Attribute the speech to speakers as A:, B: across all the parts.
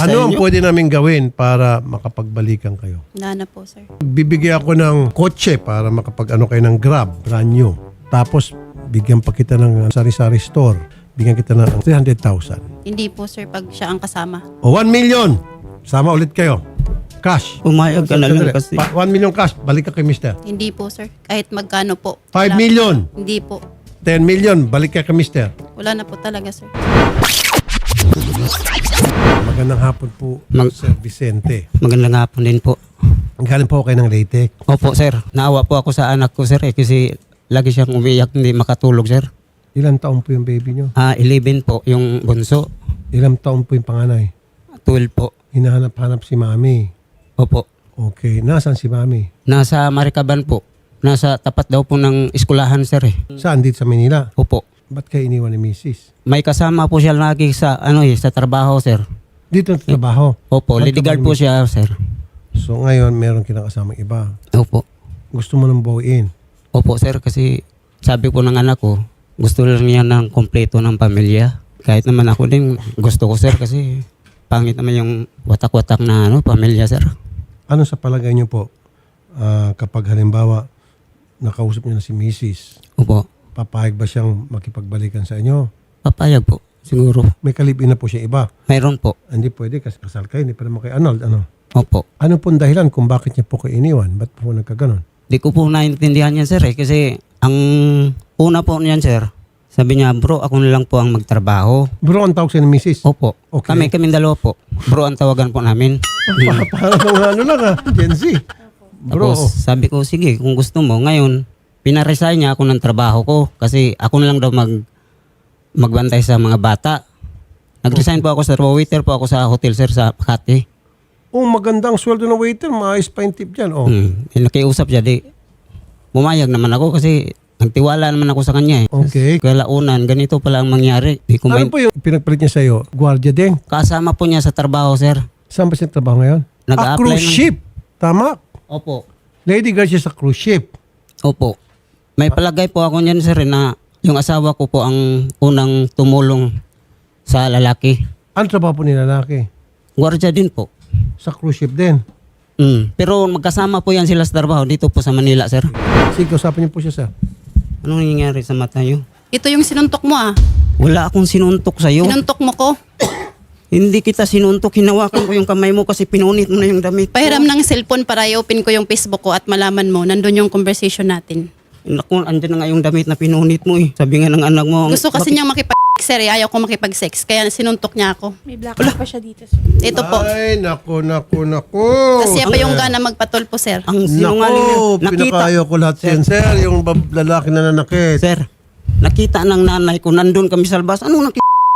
A: sa
B: Ano ang
A: inyo.
B: pwede namin gawin para makapagbalikan kayo?
C: Wala na po, sir.
B: Bibigyan ako ng kotse para makapag-ano kayo ng Grab, brand new. Tapos, bigyan pa kita ng sari-sari store. Bigyan kita ng 300,000.
C: Hindi po, sir, pag siya ang kasama.
B: O 1 million. Sama ulit kayo. Cash.
A: Pumayag ka na lang kasi.
B: 1 million cash. Balik ka kay mister.
C: Hindi po, sir. Kahit magkano po.
B: 5
C: Wala.
B: million.
C: Hindi po.
B: 10 million. Balik ka kay mister.
C: Wala na po talaga, sir.
B: Magandang hapon po, Sir Vicente.
A: Magandang hapon din po.
B: Galing po kayo ng Leyte.
A: Opo, sir. Naawa po ako sa anak ko, sir. Kasi lagi siyang umiyak, hindi makatulog, sir.
B: Ilang taon po yung baby nyo?
A: 11 po yung bunso.
B: Ilang taon po yung panganay?
A: 12 po.
B: Hinahanap-hanap si mami.
A: Opo.
B: Okay. Nasaan si mami?
A: Nasa Maricaban po. Nasa tapat daw po ng eskwelahan, sir.
B: Saan? Dito sa Manila?
A: Opo.
B: Ba't kayo iniwan ni Mrs.?
A: May kasama po siya lagi sa sa trabaho, sir.
B: Dito sa trabaho?
A: Opo,
B: Saan
A: leadyguard
B: trabaho
A: po
B: ni
A: siya, sir.
B: So ngayon, meron kinakasamang iba.
A: Opo.
B: Gusto mo nang bawiin?
A: Opo, sir, kasi sabi po ng anak ko, gusto lang niya ng kompleto ng pamilya. Kahit naman ako din, gusto ko, sir, kasi pangit naman yung watak-watak na pamilya, sir.
B: Ano sa palagay niyo po, kapag halimbawa, nakausap niyo na si Mrs.,
A: Opo.
B: papayag ba siyang makipagbalikan sa inyo?
A: Papayag po, siguro.
B: May kalibin na po siya iba.
A: Mayroon po.
B: Hindi pwede kasi kasal kayo, hindi pa naman kayo Arnold. Ano?
A: Opo.
B: Ano pong dahilan kung bakit niya po kayo iniwan? Ba't po nagkaganon?
A: Di ko po naintindihan yan, sir, kasi ang una po niyan, sir, sabi niya, bro, ako na lang po ang magtrabaho.
B: Bro, ang tawag siya ni Mrs.
A: Opo.
B: Okay.
A: Kaming dalawa po. Bro, ang tawagan po namin.
B: Parang ano lang Gen Z. Bro,
A: Tapos sabi ko, sige, kung gusto mo, ngayon, pinaresign niya ako ng trabaho ko kasi ako na lang daw magbantay sa mga bata. Nag-resign po ako sa waiter po ako sa hotel, sir, sa Makati.
B: magandang sweldo ng waiter, maayos pa yung tip dyan.
A: Nakiusap siya, di bumayag naman ako kasi nagtiwala naman ako sa kanya.
B: Okay.
A: Kaya launan, ganito pala ang mangyari. Di ko
B: Ano po yung pinagpalit niya sa'yo? Gwardiya din?
A: kasama po niya sa trabaho, sir.
B: Saan ba siya trabaho ngayon?
A: Nag-a-apply
B: Cruise
A: ng-
B: ship. Tama.
A: Opo.
B: Lady girl siya sa cruise ship.
A: Opo. May palagay po ako niyan, sir, na yung asawa ko po ang unang tumulong sa lalaki.
B: Ano trabaho po ni lalaki?
A: Gwardiya din po.
B: Sa cruise ship din.
A: Pero magkasama po yan sila sa trabaho dito po sa Manila, sir.
B: Sige, kausapin niyo po siya, sir.
A: Anong nangyayari sa mata niyo?
C: Ito yung sinuntok mo, ah.
A: Wala akong sinuntok sa'yo.
C: Sinuntok mo ko.
A: Hindi kita sinuntok. Hinawakan ko yung kamay mo kasi pinunit mo na yung damit ko.
C: Pahiram ng cellphone para i-open ko yung Facebook ko at malaman mo, nandun yung conversation natin.
A: Naku, andyan na nga yung damit na pinunit mo eh. Sabi nga ng anak mo.
C: Gusto kasi niyang makipag-sex, sir. Ayaw ko makipag-sex. Kaya sinuntok niya ako.
D: May black pa siya dito, sir.
C: Ito po.
B: Ay, naku.
C: Kasi siya pa yung gana magpatulpo, sir.
A: Ang sinungaling niya.
B: Naku, pinakayo ko lahat yan, sir. Yung lalaki na nanakit.
A: Sir, nakita ng nanay ko, nandun kami sa labas. Anong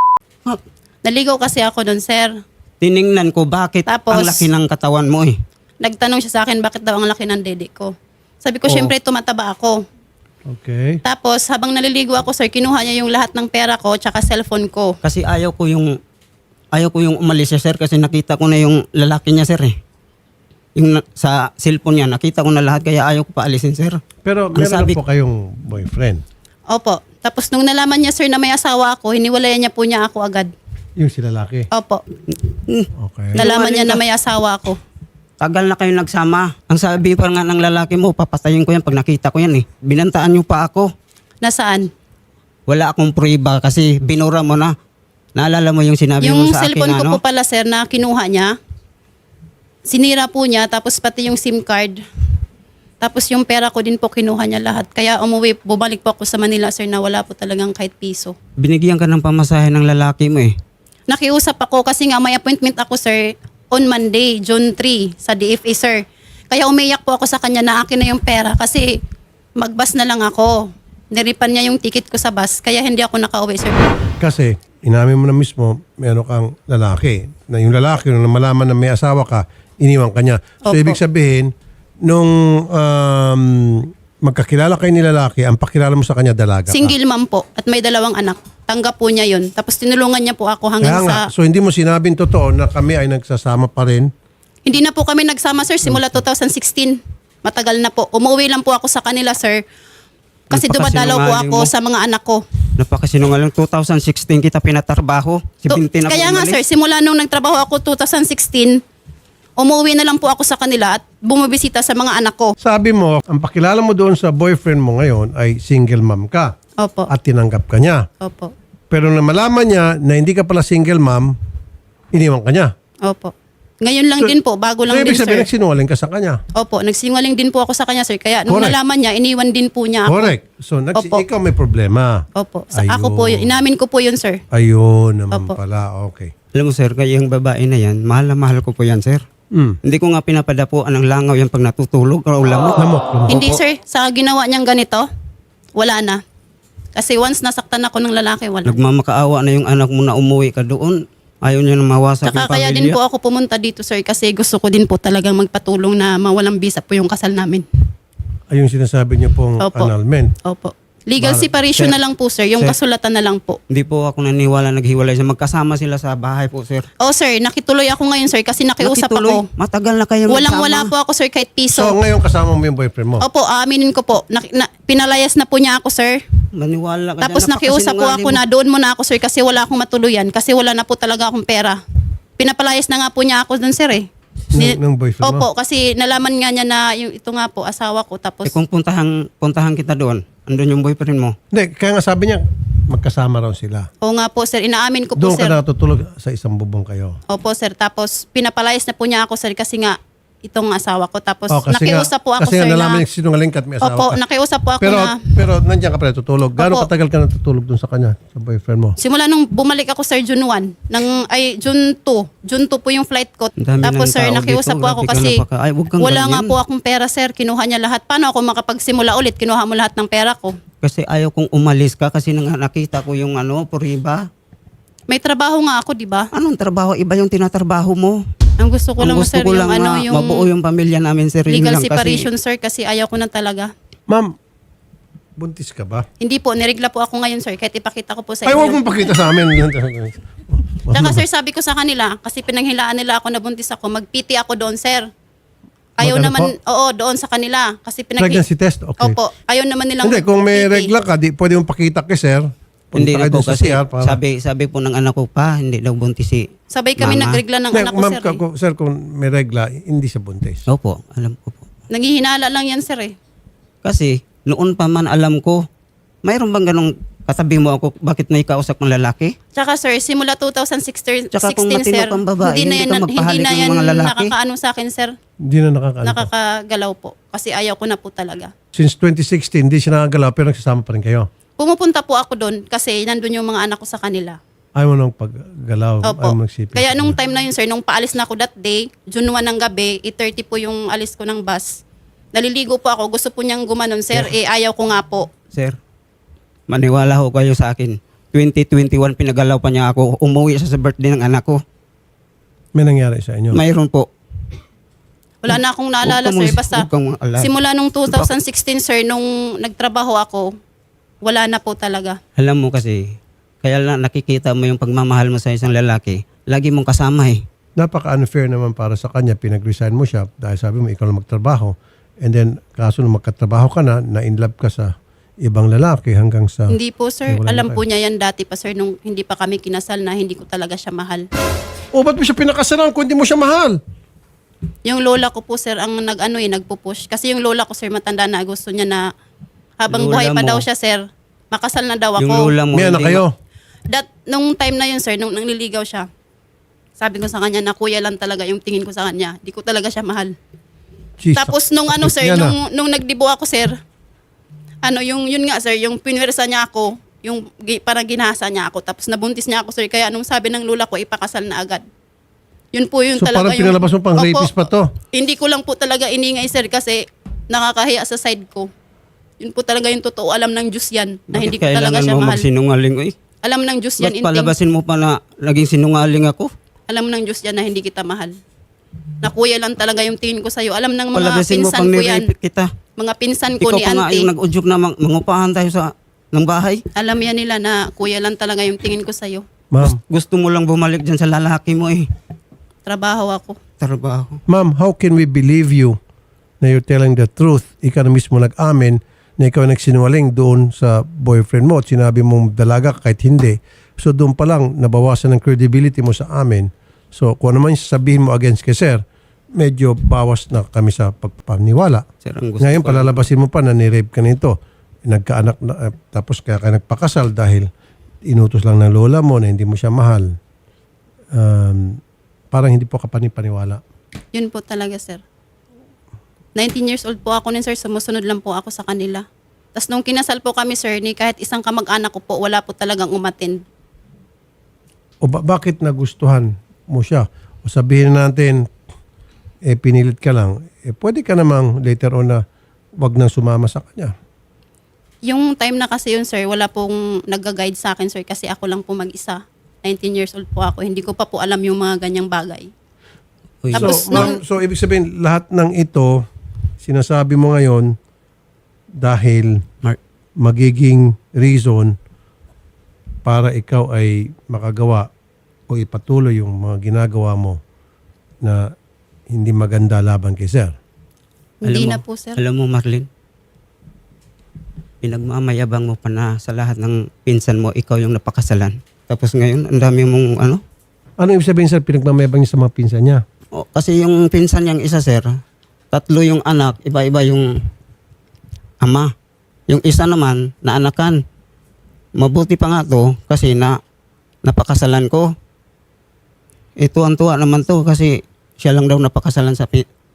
C: Naligaw kasi ako doon, sir.
A: tiningnan ko bakit
C: Tapos,
A: ang laki ng katawan mo eh.
C: Nagtanong siya sa akin bakit daw ang laki ng dede ko. Sabi ko,
A: Oo.
C: syempre tumataba ako.
B: Okay.
C: Tapos, habang naliligo ako, sir, kinuha niya yung lahat ng pera ko tsaka cellphone ko.
A: Kasi ayaw ko yung umalis siya, sir, kasi nakita ko na yung lalaki niya, sir eh. Yung sa cellphone niya, nakita ko na lahat kaya ayaw ko pa alisin, sir.
B: Pero
A: Ang
B: meron
A: sabi-
B: na po kayong boyfriend.
C: Opo. Tapos, nung nalaman niya, sir, na may asawa ako, hiniwalayan niya po niya ako agad.
B: Yung si lalaki.
C: Opo.
B: Okay.
C: Nalaman niya na may asawa ako.
A: Tagal na kayo nagsama. Ang sabi pa nga ng lalaki mo, papatayin ko yan pag nakita ko yan eh. Binantaan niyo pa ako.
C: Nasaan?
A: Wala akong prueba kasi binura mo na. Naalala mo yung sinabi
C: Yung
A: mo sa akin,
C: cellphone ko
A: ano?
C: po pala, sir, na kinuha niya. Sinira po niya, tapos pati yung SIM card. Tapos yung pera ko din po kinuha niya lahat. Kaya bumalik po ako sa Manila, sir, na wala po talagang kahit piso.
A: Binigyan ka ng pamasahe ng lalaki mo eh.
C: Nakiusap ako kasi nga may appointment ako, sir, on Monday, June 3, sa DFA, sir. Kaya umiyak po ako sa kanya na akin na yung pera kasi magbus na lang ako. Niripan niya yung ticket ko sa bus, kaya hindi ako nakauwi, sir.
B: Kasi, inamin mo na mismo, meron kang lalaki. Na yung lalaki, nung malaman na may asawa ka, iniwan ka niya. So,
C: Opo.
B: ibig sabihin, nung magkakilala kayo ni lalaki, ang pakilala mo sa kanya, dalaga ka.
C: Single mom po at may 2 anak. Tanggap po niya yun. Tapos tinulungan niya po ako
B: Kaya
C: hanggang
B: nga,
C: sa...
B: so hindi mo sinabing totoo na kami ay nagsasama pa rin.
C: Hindi na po kami nagsama, sir, simula 2016. Matagal na po. Umuwi lang po ako sa kanila, sir. Kasi dumadalaw po ako sa mga anak ko.
A: Napakasinungaling. 2016 kita pinatrabaho. 17 ako
C: Kaya nga
A: umalis.
C: sir, simula nung nagtrabaho ako 2016, umuwi na lang po ako sa kanila at bumibisita sa mga anak ko.
B: Sabi mo, ang pakilala mo doon sa boyfriend mo ngayon ay single mom ka
C: Opo.
B: at tinanggap ka niya.
C: Opo.
B: Pero nang malaman niya na hindi ka pala single mom, iniwan ka niya.
C: Opo. Ngayon lang din po, bago lang
B: So, ibig
C: din
B: sabihin,
C: sir.
B: nagsinungaling ka sa kanya.
C: Opo, nagsinungaling din po ako sa kanya sir. Kaya nung
B: Correct.
C: nalaman niya, iniwan din po niya ako.
B: Correct. So,
C: Opo.
B: ikaw may problema.
C: Opo. Ako po yun. Inamin ko po yun sir.
B: Ayun naman
C: Opo.
B: pala. Okay.
A: Alam mo sir, kaya yung babae na yan, mahal na mahal ko po yan sir. Hindi ko nga pinapadapuan ng langaw yan pag natutulog o lamok.
B: Lamok.
C: Hindi sir, sa ginawa niyang ganito, wala na. Kasi once nasaktan ako ng lalaki, wala.
A: Nagmamakaawa na yung anak mo na umuwi ka doon. Ayaw niya na mawasak yung
C: Tsaka kaya
A: pamilya.
C: din po ako pumunta dito sir kasi gusto ko din po talagang magpatulong na mawalang bisa po yung kasal namin.
B: Ayun sinasabi niyo pong
C: Opo.
B: annulment.
C: Opo. Legal separation na lang po sir, yung kasulatan na lang po.
A: Hindi po ako naniwala naghiwalay siya. Magkasama sila sa bahay po sir.
C: Oh sir, nakituloy ako ngayon sir kasi nakiusap
A: Nakituloy.
C: ako.
A: Matagal na kayo
C: Walang-wala po ako sir kahit piso.
B: So, ngayon kasama mo yung boyfriend mo.
C: Opo, aaminin ko po. Pinalayas na po niya ako sir.
A: Maniwala ka
C: Tapos
A: dyan,
C: nakiusap po ako na doon muna ako sir kasi wala akong matuluyan kasi wala na po talaga akong pera. Pinapalayas na nga po niya ako doon sir eh.
B: Ng boyfriend mo?
C: Opo, kasi nalaman nga niya na yung ito nga po asawa ko tapos
A: Eh kung puntahan kita doon, andun yung boyfriend mo.
B: Hindi, kaya nga sabi niya, magkasama raw sila.
C: oo nga po sir, inaamin ko po
B: Doon
C: sir.
B: ka natutulog sa isang bubong kayo.
C: Opo sir, tapos pinapalayas na po niya ako sir kasi nga itong asawa ko tapos
B: Oh,
C: nakiusap po ako
B: kasi
C: sir
B: nga nalaman
C: na
B: niya sinungaling ka at may asawa
C: opo,
B: ka.
C: nakiusap po ako
B: Pero,
C: na
B: pero nandiyan ka pala tutulog. Gaano
C: Opo.
B: katagal ka natutulog doon sa kanya, sa boyfriend mo?
C: simula nung bumalik ako sir June 1, June 2 po yung flight ko.
A: Ang dami
C: Tapos
A: ng
C: sir,
A: tao
C: nakiusap
A: dito,
C: po ako
A: grabe ka
C: kasi
A: Ay, huwag kang
C: wala nga
A: ganyan.
C: po akong pera sir, kinuha niya lahat. Paano ako makapagsimula ulit? Kinuha mo lahat ng pera ko.
A: Kasi ayaw kong umalis ka kasi nakita ko yung puriba.
C: May trabaho nga ako, di ba?
A: Anong trabaho? Iba yung tinatrabaho mo.
C: Ang gusto ko
A: Ang
C: lang
A: gusto
C: sir
A: ko
C: yung
A: lang
C: yung
A: mabuo yung pamilya namin sir. Yun
C: legal
A: lang
C: separation sir kasi ayaw ko na talaga.
B: Ma'am, buntis ka ba?
C: Hindi po, niregla po ako ngayon sir kahit ipakita ko po sa
B: Ay, huwag
C: inyo.
B: mong pakita sa amin.
C: Tsaka sir, sabi ko sa kanila, kasi pinanghilaan nila ako na buntis ako, mag-PT ako doon sir. Ayaw
B: Mag-ano
C: naman,
B: po?
C: oo, doon sa kanila. Kasi
B: Pregnancy test? Okay.
C: Opo, ayaw naman nilang
B: Hindi, kung may
C: mag-PT.
B: regla ka, di pwede mong pakita kay sir.
A: Hindi
B: Punta
A: na
B: kayo
A: po
B: doon sa
A: kasi
B: CR para...
A: sabi po ng anak ko pa, hindi daw buntis si
C: Sabay kami
A: Mama.
C: nagregla ng
B: Hindi,
C: anak ko
B: ma'am,
C: sir.
B: sir, kung may regla, hindi siya buntis.
A: Opo, alam ko po.
C: Nanghihinala lang yan sir eh.
A: Kasi noon pa man alam ko, mayroon bang ganong katabi mo ako, bakit may kausap ng lalaki?
C: Tsaka sir, simula 2016
A: Tsaka kung matino
C: sir,
A: kang babae, hindi ka
C: hindi
A: magpahalik
C: na
A: ng
C: yan
A: mga lalaki.
C: nakakaano sa akin sir.
B: Hindi na nakakaano.
C: Nakakagalaw po. Kasi ayaw ko na po talaga.
B: Since 2016, hindi siya nakagalaw pero nagsasama pa rin kayo.
C: Pumupunta po ako doon kasi nandun yung mga anak ko sa kanila.
B: Ayaw mo nang paggalaw.
C: Opo.
B: Ayaw mo nagsipin.
C: Kaya nung time na yun sir, nung paalis na ako that day, June 1 ng gabi, 8:30 po yung alis ko ng bus. Naliligo po ako, gusto po niyang gumanon sir, ayaw ko nga po.
A: Sir, maniwala ho kayo sa akin. 2021 pinagalaw pa niya ako, umuwi siya sa birthday ng anak ko.
B: May nangyari sa inyo.
A: Mayroon po.
C: Wala na akong naalala
A: Huwag
C: sir,
A: kang-
C: basta
A: huwag kang maalala.
C: simula nung 2016 sir, nung nagtrabaho ako, wala na po talaga.
A: Alam mo kasi, kaya lang nakikita mo yung pagmamahal mo sa isang lalaki, lagi mong kasama eh.
B: Napaka-unfair naman para sa kanya. Pinag-resign mo siya dahil sabi mo ikaw lang magtrabaho. And then, kaso nung magkatrabaho ka na in love ka sa ibang lalaki hanggang sa...
C: Hindi po sir,
B: Wala na
C: alam
B: kayo.
C: po niya yan dati pa sir, nung hindi pa kami kinasal na hindi ko talaga siya mahal.
B: O, ba't mo siya pinakasalan kung hindi mo siya mahal?
C: Yung lola ko po sir, ang nagpupush. Kasi yung lola ko sir, matanda na, gusto niya na habang
A: Lola
C: buhay pa
A: mo.
C: daw siya sir, makasal na daw ako.
A: Yung lola mo,
B: May anak
A: hindi
B: kayo?
C: Nung time na yun sir, nung nangliligaw siya, sabi ko sa kanya na kuya lang talaga yung tingin ko sa kanya. Di ko talaga siya mahal.
B: Jesus.
C: Tapos nung ano sir,
B: Yan na.
C: nung nagdibo ako sir, yun nga sir, yung pinwersa niya ako, yung parang ginahasa niya ako, tapos nabuntis niya ako sir, kaya nung sabi ng lola ko, ipakasal na agad. Yun po yun
B: So,
C: talaga
B: parang pinalabas mo pang
C: Opo,
B: rapist pa to?
C: Hindi ko lang po talaga iningay sir kasi nakakahiya sa side ko. Yun po talaga yung totoo, alam ng Diyos yan, na hindi ko talaga
A: kailangan
C: siya
A: mo
C: mahal.
A: magsinungaling? Uy,
C: Alam ng Diyos yan,
A: ba't
C: Inting.
A: palabasin mo pa na naging sinungaling ako?
C: Alam ng Diyos yan na hindi kita mahal. Na kuya lang talaga yung tingin ko sa'yo. Alam ng mga
A: Palabasin mo
C: pinsan
A: pang
C: ko yan.
A: nirepit kita.
C: Mga pinsan ko
A: Ikaw
C: ni
A: pa nga
C: auntie.
A: yung nag-udyok na mangupahan tayo ng bahay.
C: Alam yan nila na kuya lang talaga yung tingin ko sa'yo.
B: Ma'am,
A: Gusto mo lang bumalik dyan sa lalaki mo eh.
C: Trabaho ako.
A: Trabaho.
B: ma'am, how can we believe you na you're telling the truth? Ikaw na mismo nag-amin na ikaw nagsinungaling doon sa boyfriend mo at sinabi mong dalaga ka kahit hindi. So doon pa lang nabawasan ng credibility mo sa amin. So kung ano man yung sasabihin mo against kay sir, medyo bawas na kami sa pagpaniwala.
A: Sir, ang gusto
B: Ngayon
A: ko,
B: palalabasin mo pa na ni-rape ka nito. Nagkaanak na, tapos kaya ka nagpakasal dahil inutos lang ng lola mo na hindi mo siya mahal. Parang hindi po kapanipaniwala.
C: Yun po talaga, sir. 19 years old po ako nun, sir. Sumusunod lang po ako sa kanila. Tapos nung kinasal po kami, sir, ni kahit isang kamag-anak ko po, wala po talagang umattend.
B: O bakit nagustuhan mo siya? O sabihin natin, pinilit ka lang. Pwede ka namang later on na wag nang sumama sa kanya.
C: Yung time na kasi yun, sir, wala pong nag-guide sa akin, sir, kasi ako lang po mag-isa. 19 years old po ako. Hindi ko pa po alam yung mga ganyang bagay.
A: Uy,
C: Tapos
B: So ibig sabihin, lahat ng ito, sinasabi mo ngayon, dahil
A: Mark,
B: magiging reason para ikaw ay makagawa o ipatuloy yung mga ginagawa mo na hindi maganda laban kay sir.
C: Hindi
A: alam
C: na
A: mo-
C: po, sir.
A: Alam mo, Marlene, pinagmamayabang mo pa na sa lahat ng pinsan mo, ikaw yung napakasalan. Tapos ngayon, ang dami mong ano?
B: Ano ibig sabihin sir, pinagmamayabang niya sa mga pinsan niya?
A: O, kasi yung pinsan niyang isa, sir, 3 yung anak, iba-iba yung ama. Yung isa naman, naanakan. Mabuti pa nga to kasi napakasalan ko. Ito ang tuwa naman to kasi siya lang daw napakasalan sa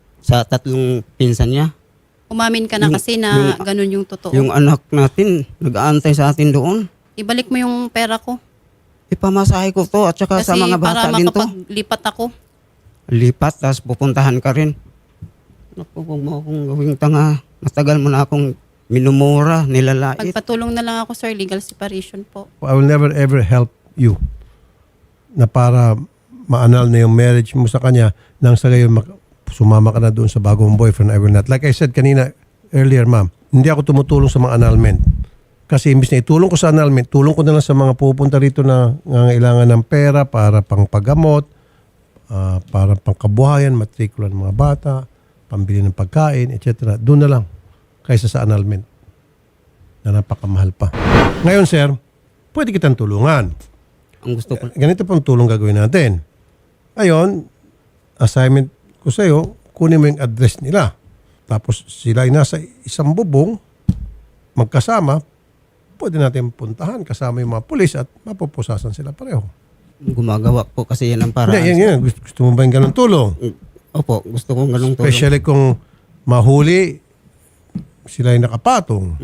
A: 3 pinsan niya.
C: Umamin ka na
A: Yung-
C: kasi na
A: yung-
C: ganun yung totoo.
A: Yung anak natin, nag-aantay sa atin doon.
C: Ibalik mo yung pera ko.
A: Ipamasahe ko to at saka
C: Kasi
A: sa mga
C: para
A: bata din to.
C: makapaglipat ako.
A: Lipat, tapos pupuntahan ka rin. Naku, huwag mo akong gawing tanga. Matagal mo na akong minumura, nilalait.
C: Pagpatulong na lang ako, sir. Legal separation po.
B: I will never ever help you na para maanal na yung marriage mo sa kanya nang sa gayon sumama ka na doon sa bagong boyfriend. I will not. Like I said kanina earlier, ma'am, hindi ako tumutulong sa mga annulment. Kasi imbis na itulong ko sa annulment, tulong ko na lang sa mga pupunta rito na nangangailangan ng pera para pang paggamot, para pang kabuhayan, matrikula ng mga bata, pambili ng pagkain, etc. Doon na lang kaysa sa annulment na napakamahal pa. Ngayon, sir, pwede kitang tulungan.
A: Ang gusto ko,
B: Ganito pong tulong gagawin natin. Ayon, assignment ko sa iyo, kunin mo yung address nila. Tapos sila ay nasa isang bubong, magkasama, pwede natin puntahan kasama yung mga pulis at mapupusasan sila pareho.
A: gumagawa po kasi yan ang paraan.
B: Hindi, yan. Gusto mo ba yung ganun tulong?
A: Opo, gusto kong ganung tulong.
B: Especially kung mahuli, sila ay nakapatong.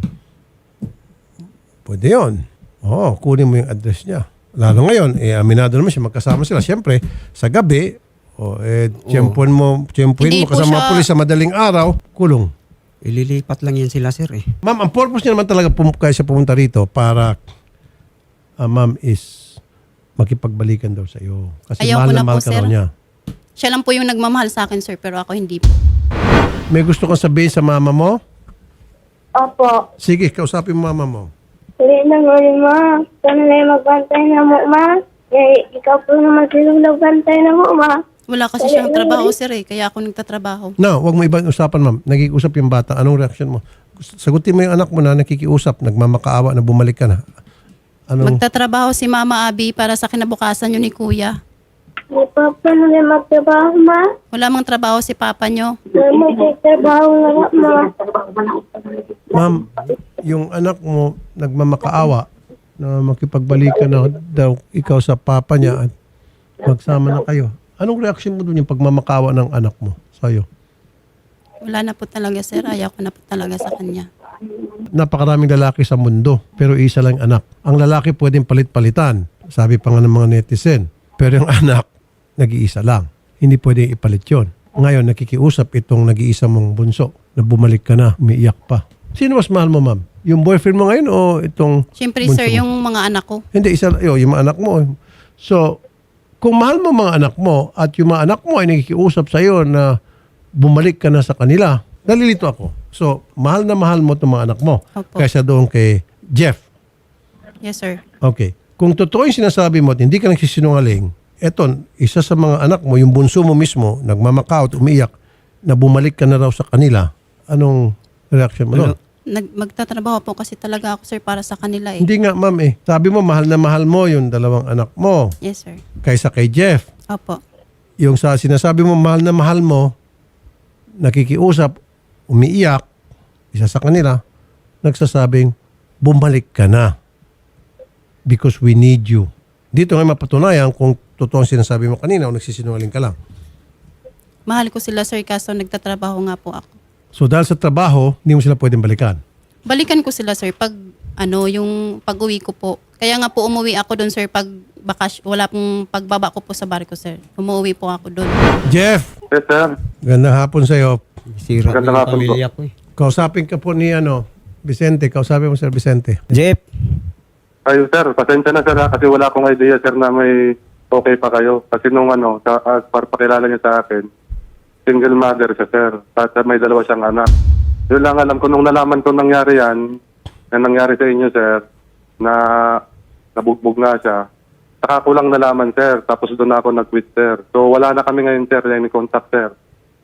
B: Pwede yun. Oo, kunin mo yung address niya. Lalo ngayon, aminado naman siya, magkasama sila. Siyempre, sa gabi, tiyempuhin mo
C: Hindi po
B: kasama mga
C: siya-
B: pulis sa madaling araw, kulong.
A: Ililipat lang yan sila, sir eh.
B: Ma'am, ang purpose niya naman talaga kaya siya pumunta rito para, ma'am, is makipagbalikan daw sa iyo. Kasi
C: Ayaw
B: mahal
C: ko
B: na
C: na
B: mahal
C: po,
B: ka
C: sir.
B: raw niya.
C: Siya lang po yung nagmamahal sa akin, sir, pero ako hindi po.
B: May gusto kang sabihin sa mama mo?
D: Opo.
B: Sige, kausapin mo mama mo.
D: Hindi na mo rin, ma. Sana na yung magbantay na mo, ma. Ikaw po naman silong nagbantay na mo, ma.
C: Wala kasi siyang trabaho, sir, eh. Kaya ako nagtatrabaho.
B: No, wag mo ibang usapan, ma'am. Nakikiusap yung bata. Anong reaction mo? Sagutin mo yung anak mo na nakikiusap, nagmamakaawa na bumalik ka na. Anong
C: Magtatrabaho si Mama Abby para sa kinabukasan yun ni Kuya.
D: Hindi pa pa na rin magtrabaho, ma.
C: Wala mang trabaho si Papa nyo.
D: May magtrabaho na nga, ma.
B: Ma'am, yung anak mo nagmamakaawa na makipagbalikan na daw ikaw sa papa niya at magsama na kayo. Anong reaction mo doon yung pagmamakaawa ng anak mo sa'yo?
C: Wala na po talaga, sir. Ayaw ko na po talaga sa kanya.
B: Napakaraming lalaki sa mundo pero isa lang anak. Ang lalaki pwedeng palit-palitan. Sabi pa nga ng mga netizen. Pero yung anak, nag-iisa lang. Hindi pwedeng ipalit yon. Ngayon, nakikiusap itong nag-iisa mong bunso na bumalik ka na, umiiyak pa. Sino mas mahal mo, ma'am? Yung boyfriend mo ngayon o itong
C: Siyempre,
B: bunso
C: sir,
B: mo?
C: yung mga anak ko.
B: Hindi, yung mga anak mo. So, kung mahal mo mga anak mo at yung mga anak mo ay nakikiusap sa iyo na bumalik ka na sa kanila, nalilito ako. So, mahal na mahal mo itong mga anak mo
C: Opo.
B: kaysa doon kay Jeff.
C: Yes, sir.
B: Okay. Kung totoo yung sinasabi mo at hindi ka nagsisinungaling, eto, isa sa mga anak mo, yung bunso mo mismo, nagmamakao at umiiyak, na bumalik ka na raw sa kanila, anong reaction mo doon?
C: Magtatrabaho po kasi talaga ako, sir, para sa kanila eh.
B: Hindi nga, ma'am eh. Sabi mo, mahal na mahal mo yung dalawang anak mo
C: Yes, sir.
B: kaysa kay Jeff.
C: Opo.
B: Yung sa sinasabi mo, mahal na mahal mo, nakikiusap, umiiyak, isa sa kanila, nagsasabing, bumalik ka na. Because we need you. Dito nga mapatunayan kung totoo ang sinasabi mo kanina o nagsisinungaling ka lang.
C: Mahal ko sila, sir, kaso nagtatrabaho nga po ako.
B: So dahil sa trabaho, hindi mo sila pwedeng balikan.
C: Balikan ko sila, sir, pag yung pag-uwi ko po. Kaya nga po umuwi ako doon, sir, pag wala pong pagbaba ko po sa barko, sir. Umuwi po ako doon.
B: Jeff,
E: Yes, sir.
B: gandang hapon sa iyo.
A: Sira na
E: Magandang
A: yung
E: hapon po.
A: pamilya ko eh.
B: Kausapin ka po ni Vicente. Kausapin mo Sir Vicente.
A: Jeff,
E: Ayun, sir. Pasensya na, sir, ha, kasi wala akong idea, sir, na may okay pa kayo. Kasi nung para pakilala niya sa akin, single mother siya, sir. At may dalawa siyang anak. Yun lang alam ko nung nalaman ko nangyari yan, na nangyari sa inyo, sir, na nabugbog nga siya. Saka ko lang nalaman, sir. Tapos doon ako nag-quit, sir. So wala na kami ngayon, sir, any contact, sir.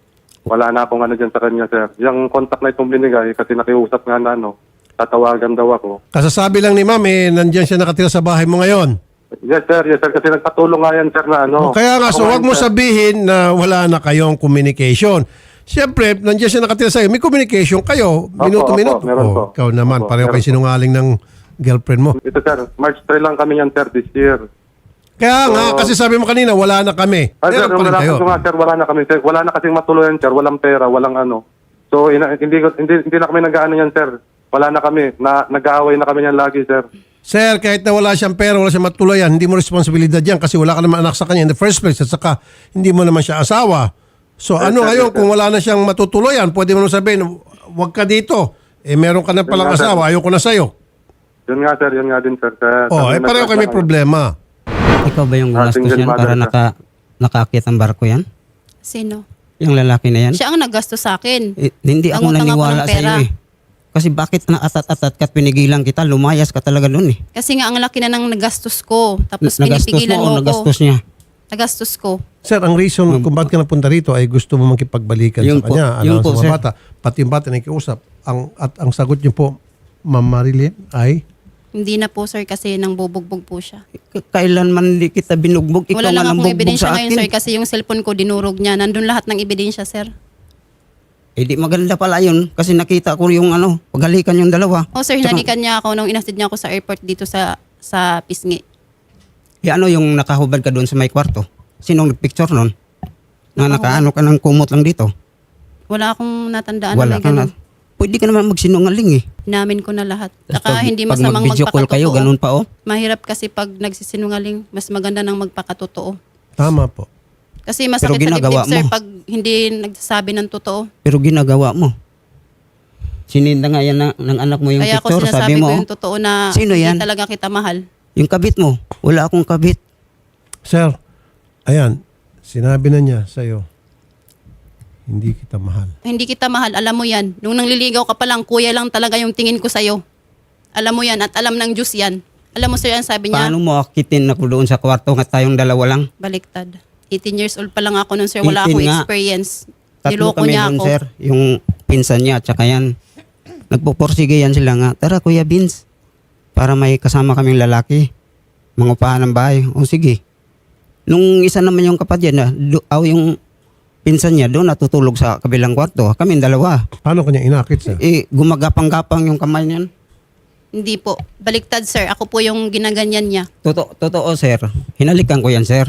E: Wala na akong dyan sa kanya, sir. Yung contact na itong binigay, kasi nakiusap nga na, tatawagan daw ako.
B: Kasasabi lang ni ma'am, nandiyan siya nakatira sa bahay mo ngayon.
E: Yes, sir. Yes, sir. Kasi nagpatulong nga yan, sir, na
B: O kaya nga, so
E: Ako
B: wag mo
E: sir.
B: sabihin na wala na kayong communication. Siyempre, nandiyan siya nakatira sa'yo. May communication kayo. Minuto-minuto.
E: meron po.
B: Ikaw naman,
E: Opo,
B: pareho
E: meron
B: kayo
E: po.
B: sinungaling ng girlfriend mo.
E: Ito, sir. March 3 lang kami yan, sir, this year.
B: Kaya nga, kasi sabi mo kanina, wala na kami.
E: Ay, sir,
B: Meron pa rin
E: wala
B: kayo.
E: ko nga, sir. Wala na kami, sir. Wala na kasing matuluyan, sir. Walang pera, walang ano. So, hindi na kami nag-ano yan, sir. Wala na kami. Nag-aaway na kami yan lagi, sir.
B: Sir, kahit na wala siyang pera, wala siyang matuluyan, hindi mo responsibilidad yan kasi wala ka naman anak sa kanya in the first place at saka hindi mo naman siya asawa. So ano ngayon kung wala na siyang matutuluyan, pwede mo naman sabihin, wag ka dito. Meron ka na palang
E: Yun nga, sir.
B: asawa, ayoko na sa'yo.
E: Yun nga, sir. Yun nga din, sir.
B: Pareho kayo may problema.
A: ikaw ba yung gumastos
E: single
A: yan
E: mother
A: para
E: ka.
A: nakaakyat ang barko yan?
C: Sino?
A: Yung lalaki na yan?
C: Siya ang naggasto sa akin.
A: Hindi ako
C: Nangutang ako
A: naniwala
C: ng
A: sa iyo
C: pera.
A: eh. Kasi bakit naatat-atat ka at pinigilan kita, lumayas ka talaga doon eh.
C: Kasi nga ang laki na ng nagastos ko. Tapos
A: Nagastos
C: pinipigilan
A: mo o
C: mo
A: nagastos
C: ako.
A: niya?
C: Nagastos ko.
B: Sir, ang reason kung bakit ka napunta rito ay gusto mo makipagbalikan
A: Yun
B: sa
A: po.
B: kanya,
A: Yun
B: alam
A: po,
B: sa mga
A: sir.
B: bata, pati yung bata na ikiusap. Ang sagot niyo po, Ma'am Marilyn, ay
C: Hindi na po, sir, kasi nang bubugbog po siya.
A: Kailan man di kita binugbog, ikaw
C: Wala
A: nga
C: lang
A: nang
C: akong
A: bugbog
C: ebidensya
A: sa
C: ngayon,
A: akin.
C: sir, kasi yung cellphone ko dinurog niya. Nandun lahat ng ebidensya, sir.
A: Eh di maganda pala yun kasi nakita ko yung paghalikan yung dalawa.
C: Oh, sir,
A: Tsaka,
C: hinalikan niya ako nung inasid niya ako sa airport dito sa Pisngi.
A: yung nakahubad ka doon sa may kwarto? Sinong nagpicture nun? Na nakaano ka ng kumot lang dito?
C: Wala akong natandaan
A: Wala
C: na may
A: ka na.
C: ganun.
A: Pwede ka naman magsinungaling eh.
C: Inamin ko na lahat.
A: Tapos
C: Saka hindi
A: pag
C: masamang
A: mag-video call kayo,
C: magpakatotoo.
A: ganun pa oh.
C: Mahirap kasi pag nagsisinungaling, mas maganda nang magpakatotoo.
B: tama po.
C: Kasi masakit sa
A: ginagawa
C: dibdib, sir,
A: mo.
C: pag hindi nagsasabi ng totoo.
A: Pero ginagawa mo. Sininda nga yan ng anak mo yung
C: Kaya ako
A: picture.
C: sinasabi
A: Sabi
C: ko
A: mo,
C: yung totoo na
A: Sino
C: hindi
A: yan?
C: talaga kita mahal.
A: yung kabit mo. Wala akong kabit.
B: Sir, ayan, sinabi na niya sa'yo, hindi kita mahal.
C: Hindi kita mahal, alam mo yan. Nung nangliligaw ka pa lang, kuya lang talaga yung tingin ko sa'yo. Alam mo yan at alam ng Diyos yan. Alam mo, sir, ang sabi niya,
A: Paano mo akitin ako doon sa kwarto nga tayong dalawa lang?
C: baliktad. 18 years old pa lang ako nun, sir. Wala
A: 18
C: akong
A: nga.
C: experience.
A: Tatlo
C: Niloko
A: kami
C: niya
A: doon,
C: ako.
A: sir. Yung pinsan niya at saka yan. Nagpuporsige yan sila nga. Tara, Kuya Vince. Para may kasama kaming lalaki. Mangupahan ng bahay. O sige. Nung isa naman yung kapatid niya, yung pinsan niya doon natutulog sa kabilang kwarto. Kami dalawa.
B: Paano kanya inakit, sir?
A: Gumagapang-gapang yung kamay niyan.
C: Hindi po. Baliktad, sir. Ako po yung ginaganyan niya.
A: Totoo, sir. Hinalikan ko yan, sir.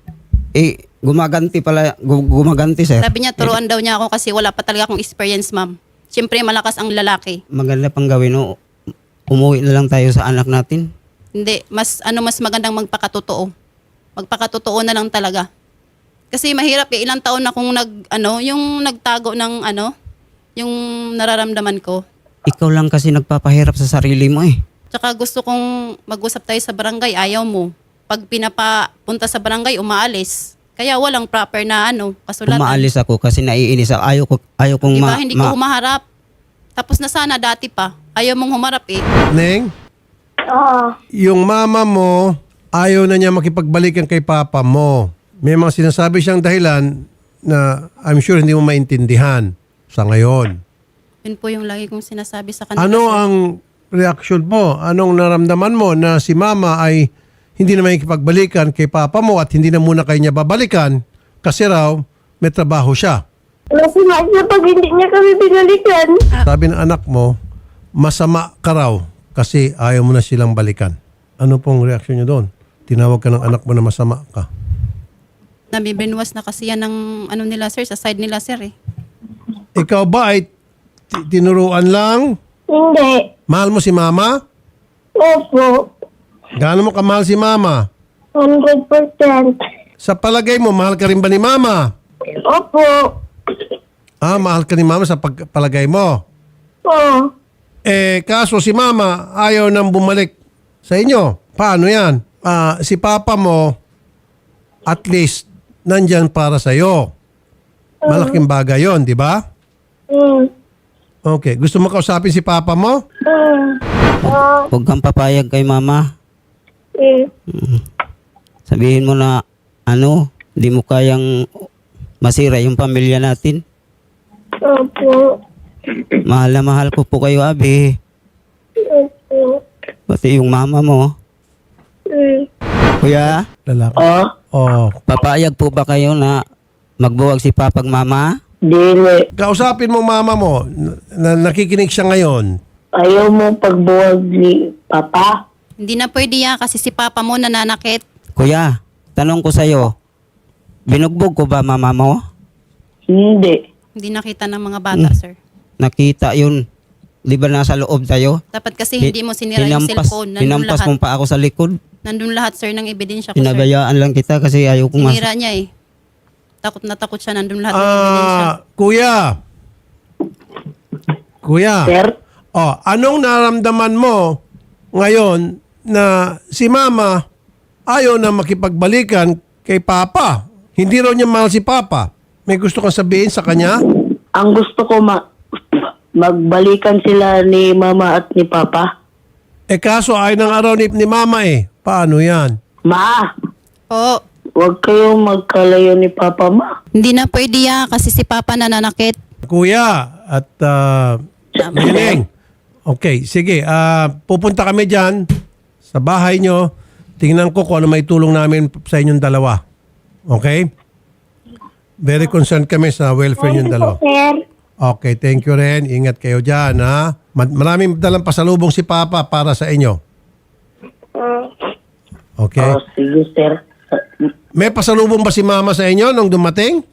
A: Gumaganti, sir.
C: Sabi niya, turuan daw niya ako kasi wala pa talaga akong experience, ma'am. Siyempre, malakas ang lalaki.
A: Maganda pang gawin, no? Umuwi na lang tayo sa anak natin.
C: Hindi, mas magandang magpakatotoo. Magpakatotoo na lang talaga. Kasi mahirap ilang taon na akong yung nagtago ng yung nararamdaman ko.
A: Ikaw lang kasi nagpapahirap sa sarili mo eh.
C: Tsaka gusto kong mag-usap tayo sa barangay, ayaw mo. Pag pinapapunta sa barangay, umaalis. Kaya walang proper na kasulatan.
A: Umaalis ako kasi naiinis ako. Ayaw kong
C: Diba, hindi ko humaharap. Tapos na sana dati pa. Ayaw mong humarap eh.
B: Neng,
D: Oo.
B: yung mama mo, ayaw na niya makipagbalikan kay papa mo. May mga sinasabi siyang dahilan na I'm sure hindi mo maintindihan sa ngayon.
C: Yun po yung lagi kong sinasabi sa kanila.
B: Ano
C: sir.
B: ang reaksyon mo? Anong naramdaman mo na si mama ay hindi na makikipagbalikan kay papa mo at hindi na muna kayo niya babalikan kasi raw may trabaho siya?
D: Masama siya pag hindi niya kami binalikan.
B: Sabi ng anak mo, masama ka raw kasi ayaw mo na silang balikan. Ano pong reaksyon niyo doon? Tinawag ka ng anak mo na masama ka.
C: Nabibrinwas na kasi yan ng ano nila sir, sa side nila sir eh.
B: Ikaw ba ay tinuruan lang?
D: Hindi.
B: Mahal mo si mama?
D: Opo.
B: Gaano mo kamahal si mama?
D: 100%.
B: Sa palagay mo, mahal ka rin ba ni mama?
D: Opo.
B: Ah, mahal ka ni mama sa palagay mo.
D: Oo.
B: Kaso si mama ayaw nang bumalik sa inyo. Paano yan? Si papa mo, at least, nandyan para sa'yo. Malaking bagay yon, di ba? Okay. Gusto mo kausapin si papa mo?
A: Huwag kang papayag kay mama. Sabihin mo na, di mo kayang masira yung pamilya natin.
D: Opo.
A: Mahal na mahal ko po kayo, Abi.
D: Opo.
A: Pati yung mama mo. Kuya,
B: Lalaki. Oh.
A: papayag po ba kayo na magbuwag si papag mama?
F: Dili.
B: Kausapin mo mama mo. Nakikinig siya ngayon.
F: Ayaw mo pagbuwag ni Papa?
C: Hindi na pwede yan kasi si papa mo nananakit.
A: Kuya, tanong ko sa'yo, binugbog ko ba mama mo?
F: Hindi.
C: Hindi nakita ng mga bata sir.
A: Nakita yun. Di ba nasa loob tayo?
C: Dapat kasi hindi mo sinira yung cellphone. Nandun
A: Hinampas
C: lahat.
A: mo pa ako sa likod.
C: Nandun lahat sir ng ebidensya ko sir.
A: Pinabayaan lang kita kasi ayaw kong
C: Sinira niya eh. Takot na takot siya. Nandun lahat ng ebidensya.
B: Kuya. Kuya.
F: Sir?
B: Anong naramdaman mo ngayon na si mama ayaw na makipagbalikan kay papa? Hindi raw niya mahal si papa. May gusto kang sabihin sa kanya?
F: Ang gusto ko magbalikan sila ni Mama at ni Papa.
B: Kaso ay ng araw ni mama Paano yan?
F: Ma,
C: Oo.
F: huwag kayong magkalayo ni Papa, ma.
C: Hindi na pwede yan kasi si papa nananakit.
B: Kuya at Niling. Okay, sige. Pupunta kami dyan sa bahay nyo. Tingnan ko kung ano may tulong namin sa inyong dalawa. Okay? Very concerned kami sa welfare ninyong dalawa.
D: Sir.
B: Okay, thank you rin. Ingat kayo dyan, ha? Maraming dalang pasalubong si Papa para sa inyo. Okay?
F: Oh, sige, sir.
B: May pasalubong ba si Mama sa inyo nung dumating?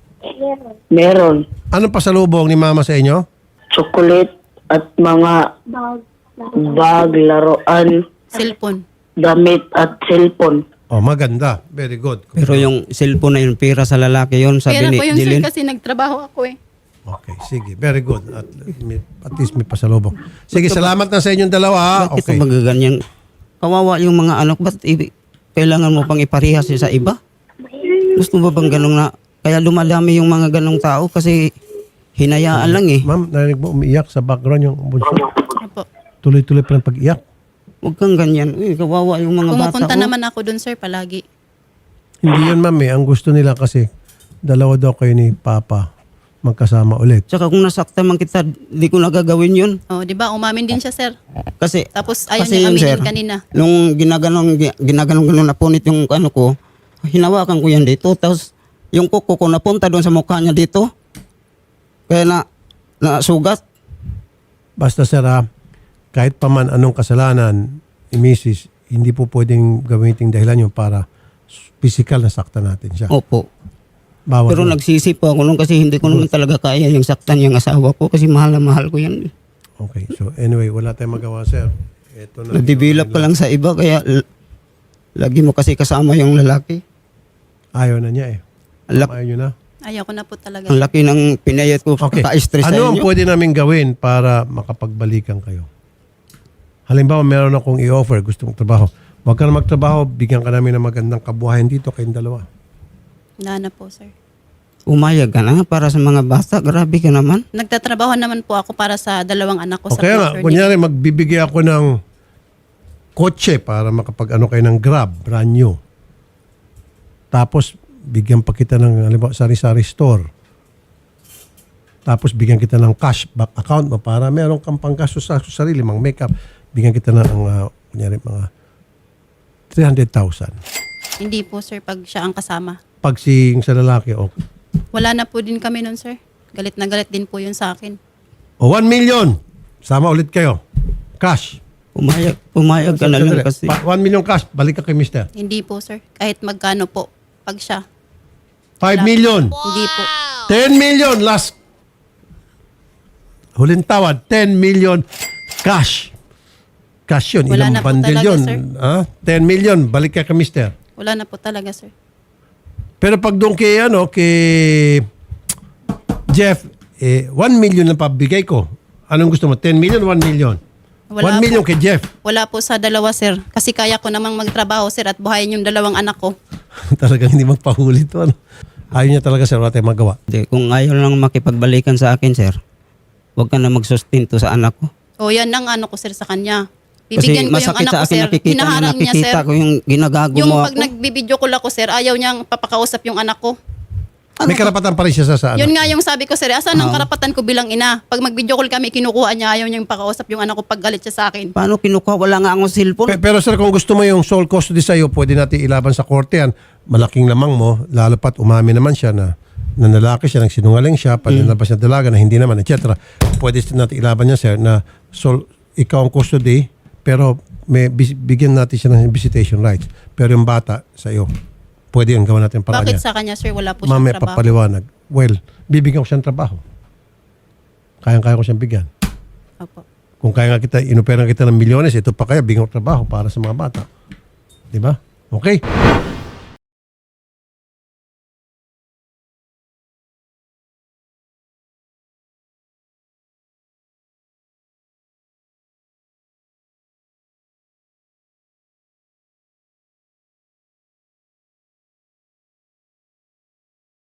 F: Meron.
B: Anong pasalubong ni Mama sa inyo?
F: Chocolate at mga bag, laruan,
C: Cellphone.
F: damit at cellphone.
B: Oh, maganda. Very good.
A: Pero yung cellphone na yun, pira sa lalaki yun, sabi
C: Pera
A: ni
C: ko yun sir
A: Jilin.
C: kasi nagtrabaho ako eh.
B: Okay, sige. Very good. At least may pasalubong. Sige, salamat na sa inyong dalawa, ha?
A: Bakit
B: Okay.
A: magaganyan? Kawawa yung mga anak, ba't kailangan mo pang iparihas sa iba? Gusto mo bang ganun na, kaya lumadami yung mga ganong tao kasi hinayaan lang eh.
B: Ma'am, narinig mo umiiyak sa background yung bunso.
C: Opo.
B: Tuloy-tuloy pa ng pag-iyak.
A: Huwag kang ganyan. Kawawa yung mga bata.
C: Pumupunta
A: oh.
C: naman ako dun sir palagi.
B: Hindi yun, ma'am. Ang gusto nila kasi dalawa daw kayo ni Papa magkasama ulit.
A: Tsaka kung nasaktan man kita, di ko nagagawin yun.
C: Oh, di ba? Umamin din siya sir.
A: Kasi,
C: Tapos ayaw
A: kasi
C: niya
A: yun, sir,
C: aminin kanina.
A: nung ginaganon na punit yung ano ko, hinawakan ko yan dito. Tapos yung kuko ko napunta doon sa mukha niya dito. Kaya nasugat.
B: Basta sir, kahit pa man anong kasalanan ni Mrs., hindi po pwedeng gamitin dahilan yun para physical na saktan natin siya.
A: Opo.
B: Bawal
A: Pero
B: yun.
A: nagsisi po ako noon kasi hindi ko naman talaga kaya yung saktan yung asawa ko kasi mahal na mahal ko yan.
B: Okay, so anyway, wala tayong magawa, sir. Ito na.
A: Nadibilap ka lang sa iba kaya lagi mo kasi kasama yung lalaki.
B: Ayaw na niya
A: Ang
B: Ayaw nyo na.
C: Ayaw ko na po talaga.
A: Ang laki ng pinayat ko,
B: Okay.
A: ka-stress sa
B: Ano ang
A: inyo.
B: pwede namin gawin para makapagbalikan kayo? Halimbawa, meron akong i-offer, gusto mong trabaho. Huwag ka na magtrabaho, bigyan ka namin ng magandang kabuhayan dito kayong dalawa.
C: Wala na po sir.
A: Umayag ka na para sa mga bata. Grabe ka naman.
C: Nagtatrabaho naman po ako para sa dalawang anak ko sa
B: Okay nga,
C: future
B: kunyari magbibigay ako ng kotse para makapag-ano kayo ng Grab, brand new. Tapos, bigyan pa kita ng halimbawa, sari-sari store. tapos bigyan kita ng cashback account mo para meron kang panggastos sa sarili, mga makeup, bigyan kita ng kunyari mga 300,000.
C: Hindi po sir pag siya ang kasama.
B: Pag sa lalaki, okay.
C: Wala na po din kami nun sir. Galit na galit din po yun sa akin.
B: O 1 million, sama ulit kayo. Cash.
A: Pumayag ka na lang kasi.
B: 1 million cash, balik ka kay mister.
C: Hindi po sir. Kahit magkano po pag siya.
B: 5 million.
C: Hindi po.
B: 10 million last. Huling tawad, 10 million cash. Cash yun.
C: Wala
B: Ilang
C: na po
B: bundle
C: talaga,
B: yun?
C: sir.
B: 10 million, balik ka kay mister.
C: Wala na po talaga sir.
B: Pero pag doon kay Jeff, 1 million lang pabigay ko. Anong gusto mo? 10 million, 1 million?
C: Wala
B: 1 million
C: po.
B: kay Jeff.
C: Wala po sa dalawa sir. Kasi kaya ko namang magtrabaho sir at buhayin yung dalawang anak ko.
B: Talagang hindi magpahuli to. Ano? Ayaw niya talaga, sir. Wala tayong magawa.
A: Hindi, kung ayaw lang makipagbalikan sa akin, sir, huwag ka na magsustento sa anak ko.
C: O yan ang ano ko sir sa kanya.
A: Kasi
C: Bibigyan ko yung
A: masakit
C: anak
A: sa
C: ko
A: akin
C: sir.
A: nakikita
C: Hinaharang niya sir.
A: ko yung ginagago
C: Yung
A: mo
C: pag
A: ako.
C: nagbibideo ko lang ko sir, ayaw niyang papakausap yung anak ko.
B: May karapatan pa rin siya sa
C: Yun
B: anak.
C: nga yung sabi ko sir, asan ang karapatan ko bilang ina? Pag mag-video call kami, kinukuha niya, ayaw niyang pakausap yung anak ko pag galit siya sa akin.
A: Paano kinukuha? Wala nga akong cellphone.
B: Pero sir, kung gusto mo yung sole custody sa'yo, pwede natin ilaban sa korte yan. Malaking lamang mo, lalo pat umami naman siya na nanlalaki siya, nagsinungaling siya, panlalabas niya dalaga na hindi naman, etc. Pwede natin ilaban niya, sir, na ikaw ang custody, pero may bigyan natin siya ng visitation rights. Pero yung bata, sa iyo, pwede yun, gawa natin paraan
C: Bakit
B: niya.
C: sa kanya sir, wala po siyang
B: Mamaya
C: trabaho?
B: papaliwanag. Well, bibigyan ko siyang trabaho. Kayang-kaya ko siyang bigyan.
C: Opo.
B: Kung kaya nga kita, inuperan kita ng milyones, ito pa kaya, bigyan ko trabaho para sa mga bata. Di ba? Okay?